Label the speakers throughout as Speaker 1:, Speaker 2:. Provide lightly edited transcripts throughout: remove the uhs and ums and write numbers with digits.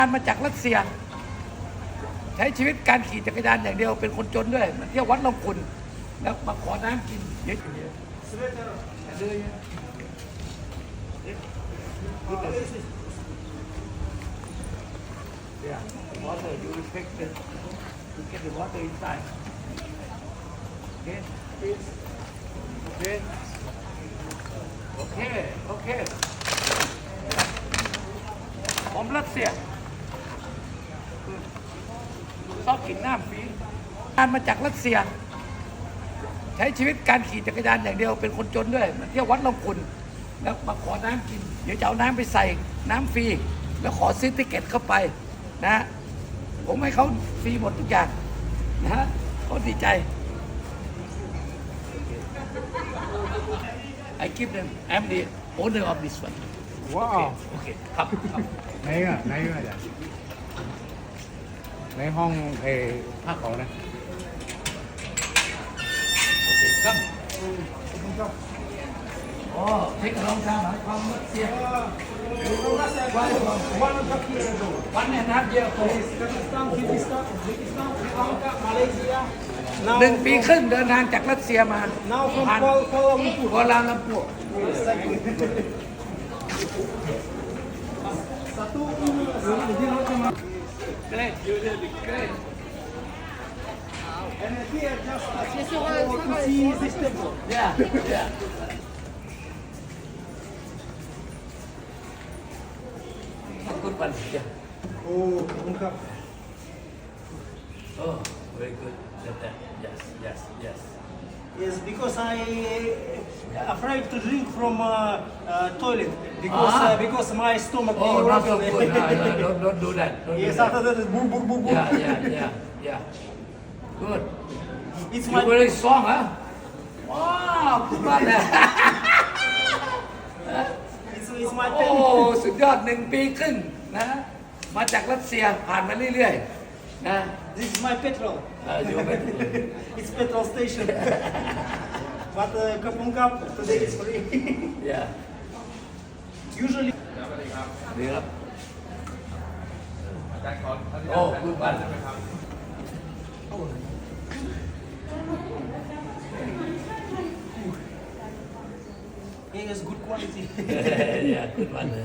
Speaker 1: มาจากรัสเซียใช้ชีวิตการขี่จักรยานอย่างเดียวเป็นคนจนด้วยมาเที่ยววัดลำพูนแล้วมาขอน้ำกินเยอะๆเลยYeah, water. You respect the to get the water inside. Okay. Okay. Okay. Okay. ผมรัสเซียชอบกินน้ำฟรีมาจากรัสเซียใช้ชีวิตการขี่จักรยานอย่างเดียวเป็นคนจนด้วยมาเที่ยววัดลำพูนแล้วมาขอน้ำกินเดี๋ยวจะเอาน้ำไปใส่น้ำฟรีแล้วขอซื้อติ๊กเก็ตเข้าไปนะผมให้เขาฟรีหมดทุกอย่างนะเขาดีใจ I give them I'm the owner of this one
Speaker 2: ว้าว
Speaker 1: โอเคครับ
Speaker 2: ไหนอ่ะอาจารย์ในห้องภาคของนะ
Speaker 1: โอเคครับอ๋อเทคโนโลยีหมายความว่าเสียวันเนี่ยนับเยอะโอ้หนึ่งปีครึ่งเดินทางจากรัสเซียมา
Speaker 3: Now from
Speaker 1: ผ่าน
Speaker 3: Kuala Lumpur.
Speaker 1: กัวลาลัมปัว Great, you did great.
Speaker 3: And here just to see this temple.
Speaker 1: Yeah, yeah. Good one. Yeah.
Speaker 3: Oh, Kumkap.
Speaker 1: Oh, very good. That. Yes.
Speaker 3: Yes, because I afraid to drink from toilet because my stomach.
Speaker 1: Oh, not so good. No, don't do that. Don't
Speaker 3: Yes,
Speaker 1: do that.
Speaker 3: after that is boom, boom, boom, boom.
Speaker 1: Yeah. Good.
Speaker 3: It's
Speaker 1: You
Speaker 3: my
Speaker 1: very strong, huh? Wow, good one.
Speaker 3: it's my
Speaker 1: โอ้
Speaker 3: pen.
Speaker 1: สุดยอดหนึ่งปีครึ่งนะมาจากรัสเซียผ่านมาเรื่อยๆนะ
Speaker 3: This is my petrol.
Speaker 1: อยู่เป็น
Speaker 3: It's petrol station. But Kumkap today is free.
Speaker 1: อย่า
Speaker 3: Usually.
Speaker 1: ดีครับโอ้คุณปัน
Speaker 3: It is good quality.
Speaker 1: อย่าคุณปันเลย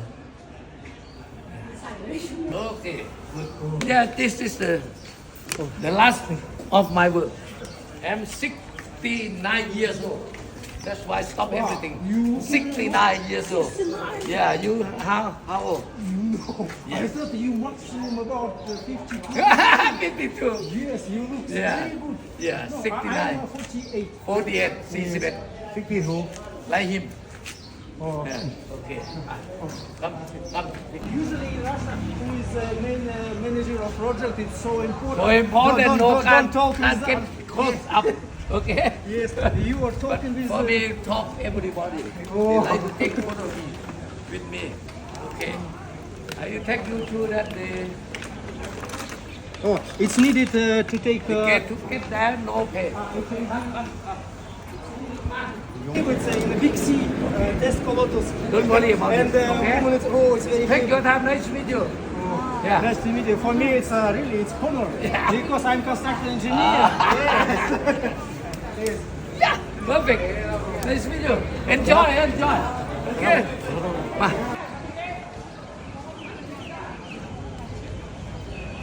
Speaker 1: โอเค yeah this is the last of my work I'm 69 years old that's why I stop everything 69 years old yeah you how old
Speaker 3: I thought you maximum about 52.
Speaker 1: 52
Speaker 3: Yes, you look
Speaker 1: Yeah.
Speaker 3: very good.
Speaker 1: Yeah,
Speaker 3: No,
Speaker 1: 69.
Speaker 3: I am 48.
Speaker 1: 48 41
Speaker 2: 62
Speaker 1: like him
Speaker 2: โอ้
Speaker 1: yeah. okay ครับ
Speaker 3: Usually in Russia, who is the main manager of project, it's so important.
Speaker 1: so important no
Speaker 3: don't talk
Speaker 1: can't
Speaker 3: with
Speaker 1: get close up okay
Speaker 3: Yes, you are talking with.
Speaker 1: for me talk everybody they like to take photo with me okay I will take you to that
Speaker 3: Oh, it's needed to take.
Speaker 1: to get there no pay
Speaker 3: It's in a big sea, Descolotus.
Speaker 1: don't worry about
Speaker 3: And
Speaker 1: it okay
Speaker 3: oh, it's very.
Speaker 1: take your time nice with you yeah
Speaker 3: Nice to meet you. For me, it's really it's honor
Speaker 1: Yeah.
Speaker 3: because I'm construction engineer. Yes.
Speaker 1: yeah perfect nice with you enjoy okay มา